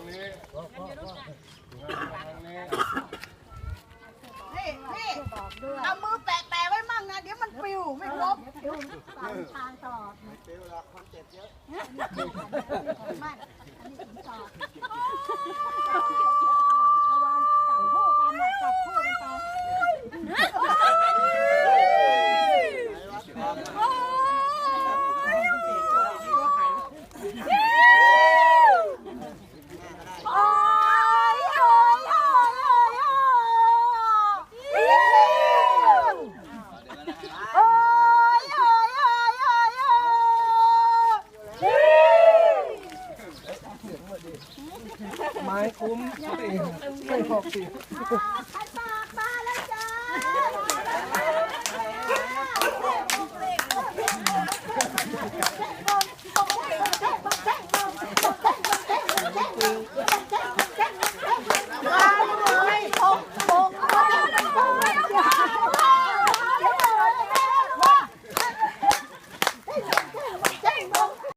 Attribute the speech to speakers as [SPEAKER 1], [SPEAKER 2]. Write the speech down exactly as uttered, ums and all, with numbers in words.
[SPEAKER 1] นี้
[SPEAKER 2] นี่นี่เอามือแปะแปะไว้มั่งนะเดี๋ยวมันปลิวไม่ครบตามทางตลอดปลิวหรอกคนเจ็บเยอะไม่อันนี้ถึงต่อเอาวันจับคู่กันน่ะจับคู่กันไป
[SPEAKER 3] ไม้คุ้มไม่หกสิบ
[SPEAKER 2] ขันปากมาแล้วจ้า